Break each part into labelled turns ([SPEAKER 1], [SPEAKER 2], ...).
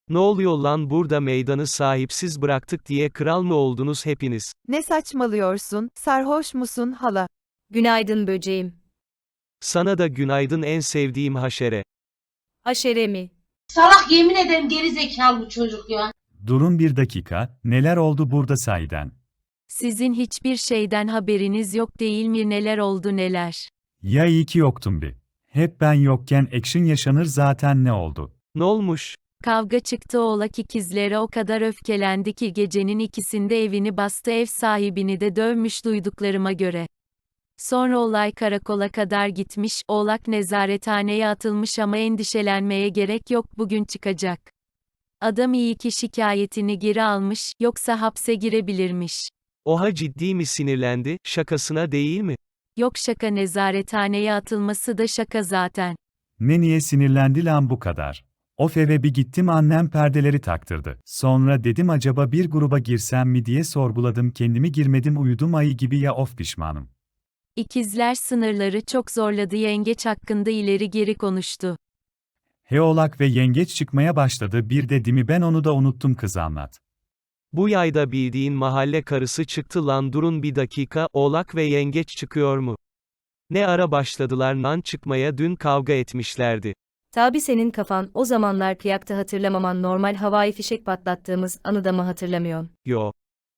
[SPEAKER 1] Ne oluyor lan burada meydanı sahipsiz bıraktık diye kral mı oldunuz hepiniz?
[SPEAKER 2] Ne saçmalıyorsun, sarhoş musun hala?
[SPEAKER 3] Günaydın böceğim.
[SPEAKER 1] Sana da günaydın en sevdiğim haşere.
[SPEAKER 3] Haşere mi?
[SPEAKER 4] Salak yemin ederim geri zekalı bu çocuk ya.
[SPEAKER 5] Durun bir dakika, neler oldu burada sahiden?
[SPEAKER 6] Sizin hiçbir şeyden haberiniz yok değil mi, neler oldu neler?
[SPEAKER 5] Ya iyi ki yoktum bir. Hep ben yokken action yaşanır zaten, ne oldu?
[SPEAKER 1] Ne olmuş?
[SPEAKER 6] Kavga çıktı, oğlak ikizlere o kadar öfkelendi ki gecenin ikisinde evini bastı, ev sahibini de dövmüş duyduklarıma göre. Sonra olay karakola kadar gitmiş, oğlak nezarethaneye atılmış ama endişelenmeye gerek yok, bugün çıkacak. Adam iyi ki şikayetini geri almış, yoksa hapse girebilirmiş.
[SPEAKER 1] Oha, ciddi mi sinirlendi, şakasına değil mi?
[SPEAKER 6] Yok şaka, nezarethaneye atılması da şaka zaten.
[SPEAKER 5] Niye sinirlendi lan bu kadar? Of, eve bir gittim, annem perdeleri taktırdı. Sonra dedim acaba bir gruba girsem mi diye sorguladım kendimi, girmedim, uyudum ayı gibi ya, of pişmanım.
[SPEAKER 6] İkizler sınırları çok zorladı, yengeç hakkında ileri geri konuştu.
[SPEAKER 5] Oğlak ve yengeç çıkmaya başladı bir de, değil mi, ben onu da unuttum, kız anlat.
[SPEAKER 1] Bu yayda bildiğin mahalle karısı çıktı lan, durun bir dakika, oğlak ve yengeç çıkıyor mu? Ne ara başladılar lan çıkmaya, dün kavga etmişlerdi.
[SPEAKER 3] Tabi senin kafan o zamanlar kıyakta, hatırlamaman normal, havai fişek patlattığımız anı da mı hatırlamıyorsun?
[SPEAKER 1] Yo.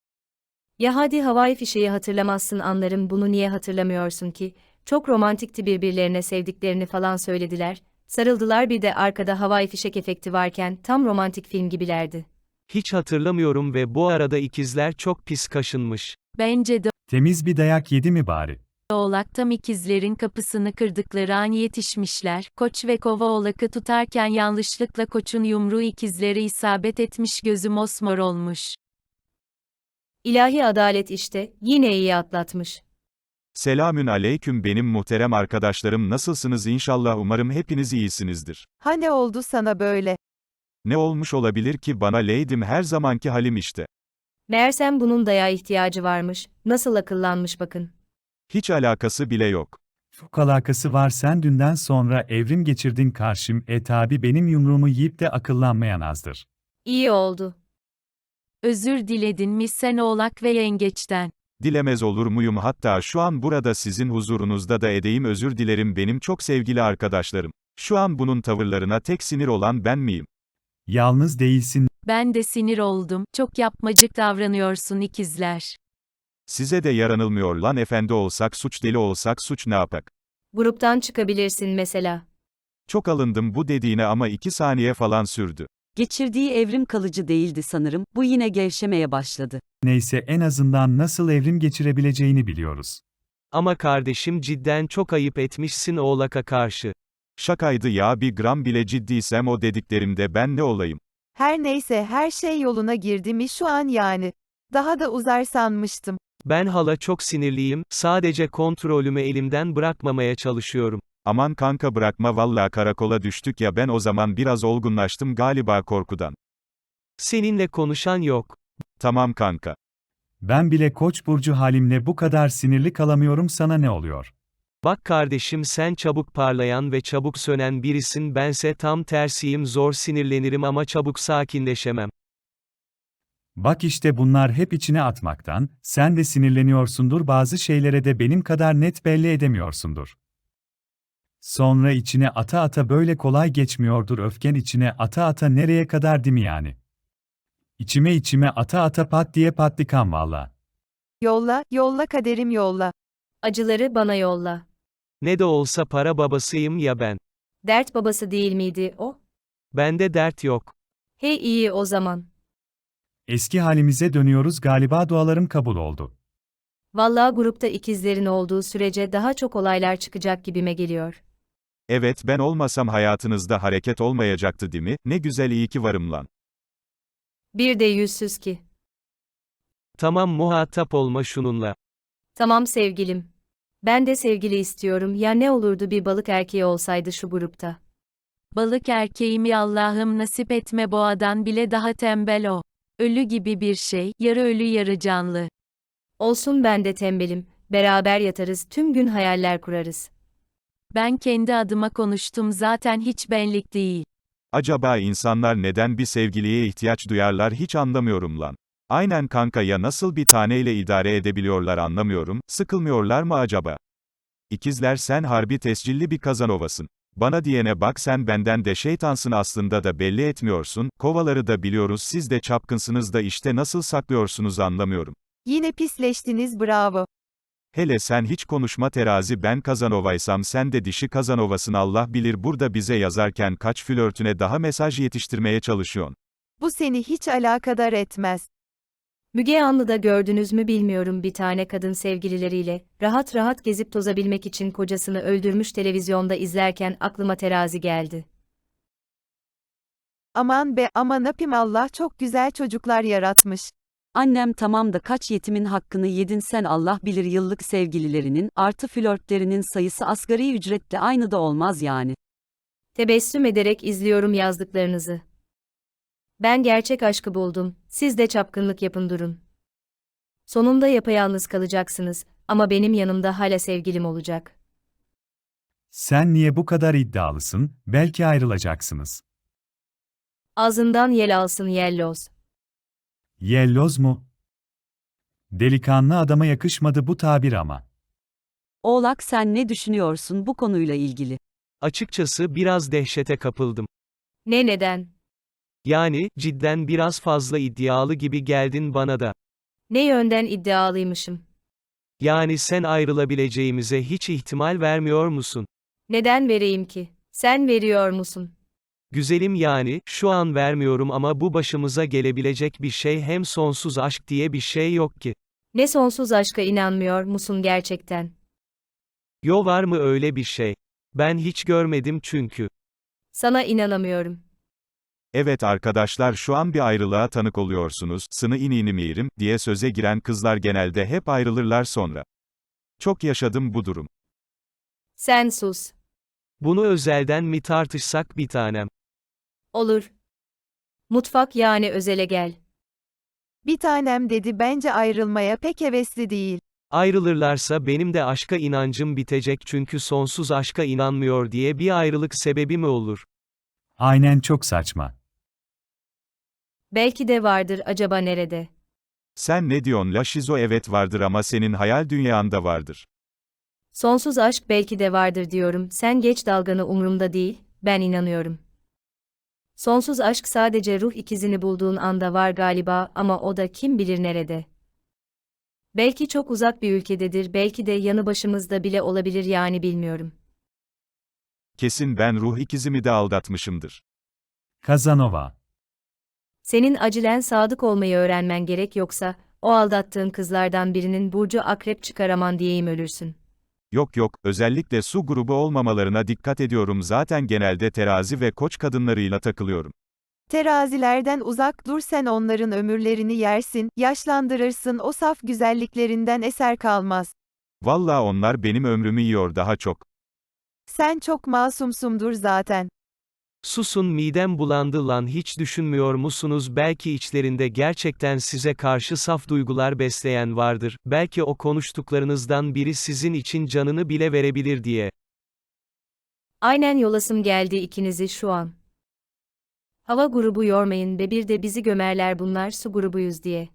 [SPEAKER 3] Ya hadi havai fişeği hatırlamazsın, anlarım, bunu niye hatırlamıyorsun ki? Çok romantikti, birbirlerine sevdiklerini falan söylediler, sarıldılar, bir de arkada havai fişek efekti varken tam romantik film gibilerdi.
[SPEAKER 1] Hiç hatırlamıyorum ve bu arada ikizler çok pis kaşınmış.
[SPEAKER 6] Bence de
[SPEAKER 5] Temiz bir dayak yedi mi bari?
[SPEAKER 6] oğlak tam ikizlerin kapısını kırdıkları an yetişmişler. Koç ve kova oğlakı tutarken yanlışlıkla koçun yumruğu ikizlere isabet etmiş, gözü mosmor olmuş.
[SPEAKER 3] İlahi adalet işte, yine iyi atlatmış.
[SPEAKER 7] Selamün aleyküm benim muhterem arkadaşlarım, nasılsınız inşallah, umarım hepiniz iyisinizdir.
[SPEAKER 2] Ha ne oldu sana böyle?
[SPEAKER 7] Ne olmuş olabilir ki bana, leydim, her zamanki halim işte.
[SPEAKER 3] Meğersem bunun dayağa ihtiyacı varmış, nasıl akıllanmış bakın.
[SPEAKER 7] Hiç alakası bile yok.
[SPEAKER 5] Çok alakası var, sen dünden sonra evrim geçirdin karşım, tabi benim yumruğumu yiyip de akıllanmayan azdır.
[SPEAKER 3] İyi oldu.
[SPEAKER 6] Özür diledin mi sen oğlak ve yengeçten?
[SPEAKER 7] Dilemez olur muyum, hatta şu an burada sizin huzurunuzda da edeyim, özür dilerim benim çok sevgili arkadaşlarım. Şu an bunun tavırlarına tek sinir olan ben miyim?
[SPEAKER 5] Yalnız değilsin.
[SPEAKER 6] Ben de sinir oldum, çok yapmacık davranıyorsun ikizler.
[SPEAKER 7] Size de yaranılmıyor lan, efendi olsak suç, deli olsak suç, ne yapak?
[SPEAKER 3] Gruptan çıkabilirsin mesela.
[SPEAKER 7] Çok alındım bu dediğine ama 2 saniye falan sürdü.
[SPEAKER 8] Geçirdiği evrim kalıcı değildi sanırım, bu yine gevşemeye başladı.
[SPEAKER 5] Neyse, en azından nasıl evrim geçirebileceğini biliyoruz.
[SPEAKER 1] Ama kardeşim, cidden çok ayıp etmişsin oğlaka karşı.
[SPEAKER 7] Şakaydı ya, bir gram bile ciddiysem o dediklerimde ben ne olayım?
[SPEAKER 2] Her neyse, her şey yoluna girdi mi şu an yani? Daha da uzar sanmıştım.
[SPEAKER 1] Ben hala çok sinirliyim, sadece kontrolümü elimden bırakmamaya çalışıyorum.
[SPEAKER 7] Aman kanka bırakma, valla karakola düştük ya, ben o zaman biraz olgunlaştım galiba korkudan.
[SPEAKER 1] Seninle konuşan yok.
[SPEAKER 7] Tamam kanka.
[SPEAKER 5] Ben bile Koç burcu halimle bu kadar sinirli kalamıyorum, sana ne oluyor?
[SPEAKER 1] Bak kardeşim, sen çabuk parlayan ve çabuk sönen birisin, bense tam tersiyim, zor sinirlenirim ama çabuk sakinleşemem.
[SPEAKER 5] Bak işte, bunlar hep içine atmaktan, sen de sinirleniyorsundur, bazı şeylere de benim kadar net belli edemiyorsundur. Sonra içine ata ata böyle kolay geçmiyordur, öfken içine ata ata nereye kadar, değil mi yani? İçime ata ata pat diye patlikan valla.
[SPEAKER 2] Yolla, yolla kaderim yolla.
[SPEAKER 3] Acıları bana yolla.
[SPEAKER 1] Ne de olsa para babasıyım ya ben.
[SPEAKER 3] Dert babası değil miydi o?
[SPEAKER 1] Bende dert yok.
[SPEAKER 3] He, iyi o zaman.
[SPEAKER 5] Eski halimize dönüyoruz galiba, dualarım kabul oldu.
[SPEAKER 3] Vallahi grupta ikizlerin olduğu sürece daha çok olaylar çıkacak gibime geliyor.
[SPEAKER 7] Evet, ben olmasam hayatınızda hareket olmayacaktı değil mi? Ne güzel, iyi ki varım lan.
[SPEAKER 3] Bir de yüzsüz ki.
[SPEAKER 1] Tamam, muhatap olma şununla.
[SPEAKER 3] Tamam sevgilim. Ben de sevgili istiyorum, ya ne olurdu bir balık erkeği olsaydı şu grupta.
[SPEAKER 6] Balık erkeğimi Allah'ım nasip etme, boğadan bile daha tembel o. Ölü gibi bir şey, yarı ölü yarı canlı.
[SPEAKER 3] Olsun, ben de tembelim, beraber yatarız, tüm gün hayaller kurarız.
[SPEAKER 6] Ben kendi adıma konuştum zaten, hiç benlik değil.
[SPEAKER 7] Acaba insanlar neden bir sevgiliye ihtiyaç duyarlar hiç anlamıyorum lan. Aynen kanka ya nasıl bir taneyle idare edebiliyorlar anlamıyorum, sıkılmıyorlar mı acaba? İkizler sen harbi tescilli bir Kazanovasın. Bana diyene bak sen benden de şeytansın aslında da belli etmiyorsun, kovaları da biliyoruz siz de çapkınsınız da işte nasıl saklıyorsunuz anlamıyorum.
[SPEAKER 2] Yine pisleştiniz bravo.
[SPEAKER 7] Hele sen hiç konuşma terazi ben Kazanovaysam sen de dişi Kazanovasın Allah bilir burada bize yazarken kaç flörtüne daha mesaj yetiştirmeye çalışıyorsun.
[SPEAKER 2] Bu seni hiç alakadar etmez.
[SPEAKER 3] Müge Anlı'da gördünüz mü bilmiyorum bir tane kadın sevgilileriyle, rahat rahat gezip tozabilmek için kocasını öldürmüş televizyonda izlerken aklıma terazi geldi.
[SPEAKER 2] Aman be aman apim Allah çok güzel çocuklar yaratmış.
[SPEAKER 8] Annem tamam da kaç yetimin hakkını yedin sen Allah bilir yıllık sevgililerinin artı flörtlerinin sayısı asgari ücretle aynı da olmaz yani.
[SPEAKER 3] Tebessüm ederek izliyorum yazdıklarınızı. Ben gerçek aşkı buldum, siz de çapkınlık yapın durun. Sonunda yapayalnız kalacaksınız ama benim yanımda hala sevgilim olacak.
[SPEAKER 5] Sen niye bu kadar iddialısın? Belki ayrılacaksınız.
[SPEAKER 3] Ağzından yel alsın yelloz.
[SPEAKER 5] Yelloz mu? Delikanlı adama yakışmadı bu tabir ama.
[SPEAKER 8] Oğlak sen ne düşünüyorsun bu konuyla ilgili?
[SPEAKER 1] Açıkçası biraz dehşete kapıldım.
[SPEAKER 3] Neden?
[SPEAKER 1] Yani, cidden biraz fazla iddialı gibi geldin bana da.
[SPEAKER 3] Ne yönden iddialıymışım?
[SPEAKER 1] Yani sen ayrılabileceğimize hiç ihtimal vermiyor musun?
[SPEAKER 3] Neden vereyim ki? Sen veriyor musun?
[SPEAKER 1] Güzelim yani, şu an vermiyorum ama bu başımıza gelebilecek bir şey hem sonsuz aşk diye bir şey yok ki.
[SPEAKER 3] Ne sonsuz aşka inanmıyor musun gerçekten?
[SPEAKER 1] Yo var mı öyle bir şey? Ben hiç görmedim çünkü.
[SPEAKER 3] Sana inanamıyorum.
[SPEAKER 7] Evet arkadaşlar şu an bir ayrılığa tanık oluyorsunuz, sını inini mirim, diye söze giren kızlar genelde hep ayrılırlar sonra. Çok yaşadım bu durum.
[SPEAKER 3] Sen sus.
[SPEAKER 1] Bunu özelden mi tartışsak bir tanem?
[SPEAKER 3] Olur. Mutfak yani özele gel.
[SPEAKER 2] Bir tanem dedi bence ayrılmaya pek hevesli değil.
[SPEAKER 1] Ayrılırlarsa benim de aşka inancım bitecek çünkü sonsuz aşka inanmıyor diye bir ayrılık sebebi mi olur?
[SPEAKER 5] Aynen çok saçma.
[SPEAKER 3] Belki de vardır acaba nerede?
[SPEAKER 7] Sen ne diyorsun la şizo evet vardır ama senin hayal dünyanda vardır.
[SPEAKER 3] Sonsuz aşk belki de vardır diyorum. Sen geç dalganı umurumda değil, ben inanıyorum. Sonsuz aşk sadece ruh ikizini bulduğun anda var galiba ama o da kim bilir nerede. Belki çok uzak bir ülkededir, belki de yanı başımızda bile olabilir yani bilmiyorum.
[SPEAKER 7] Kesin ben ruh ikizimi de aldatmışımdır.
[SPEAKER 5] Kazanova.
[SPEAKER 3] Senin acilen sadık olmayı öğrenmen gerek yoksa, o aldattığın kızlardan birinin burcu akrep çıkaraman diyeyim ölürsün.
[SPEAKER 7] Yok yok, özellikle su grubu olmamalarına dikkat ediyorum zaten genelde terazi ve koç kadınlarıyla takılıyorum.
[SPEAKER 2] Terazilerden uzak dur sen onların ömürlerini yersin, yaşlandırırsın o saf güzelliklerinden eser kalmaz.
[SPEAKER 7] Valla onlar benim ömrümü yiyor daha çok.
[SPEAKER 2] Sen çok masumsumdur zaten.
[SPEAKER 1] Susun midem bulandı lan hiç düşünmüyor musunuz belki içlerinde gerçekten size karşı saf duygular besleyen vardır, belki o konuştuklarınızdan biri sizin için canını bile verebilir diye.
[SPEAKER 3] Aynen yolasım geldi ikinizi şu an. Hava grubu yormayın be bir de bizi gömerler bunlar su grubuyuz diye.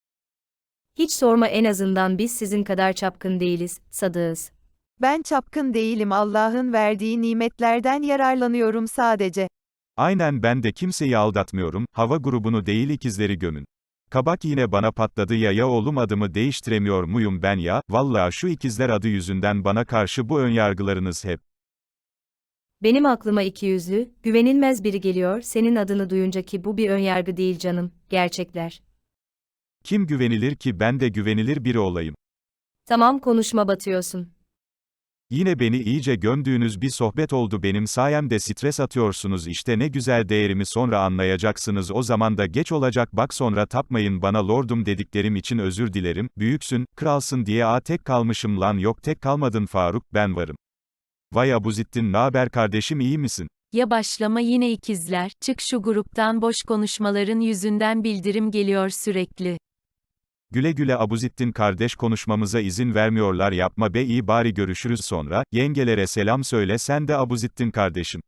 [SPEAKER 3] Hiç sorma en azından biz sizin kadar çapkın değiliz, sadığız.
[SPEAKER 2] Ben çapkın değilim Allah'ın verdiği nimetlerden yararlanıyorum sadece.
[SPEAKER 7] Aynen ben de kimseyi aldatmıyorum, hava grubunu değil ikizleri gömün. Kabak yine bana patladı ya oğlum adımı değiştiremiyor muyum ben ya, valla şu ikizler adı yüzünden bana karşı bu önyargılarınız hep.
[SPEAKER 3] Benim aklıma ikiyüzlü, güvenilmez biri geliyor senin adını duyunca ki bu bir önyargı değil canım, gerçekler.
[SPEAKER 7] Kim güvenilir ki ben de güvenilir biri olayım.
[SPEAKER 3] Tamam konuşma batıyorsun.
[SPEAKER 7] Yine beni iyice gömdüğünüz bir sohbet oldu benim sayemde stres atıyorsunuz işte ne güzel değerimi sonra anlayacaksınız o zaman da geç olacak bak sonra tapmayın bana lordum dediklerim için özür dilerim, büyüksün, kralsın diye tek kalmışım lan yok tek kalmadın Faruk, ben varım. Vay Abuzittin naber kardeşim iyi misin?
[SPEAKER 6] Ya başlama yine ikizler, çık şu gruptan boş konuşmaların yüzünden bildirim geliyor sürekli.
[SPEAKER 7] Güle güle Abuzittin kardeş konuşmamıza izin vermiyorlar yapma be iyi bari görüşürüz sonra, yengelere selam söyle sen de Abuzittin kardeşim.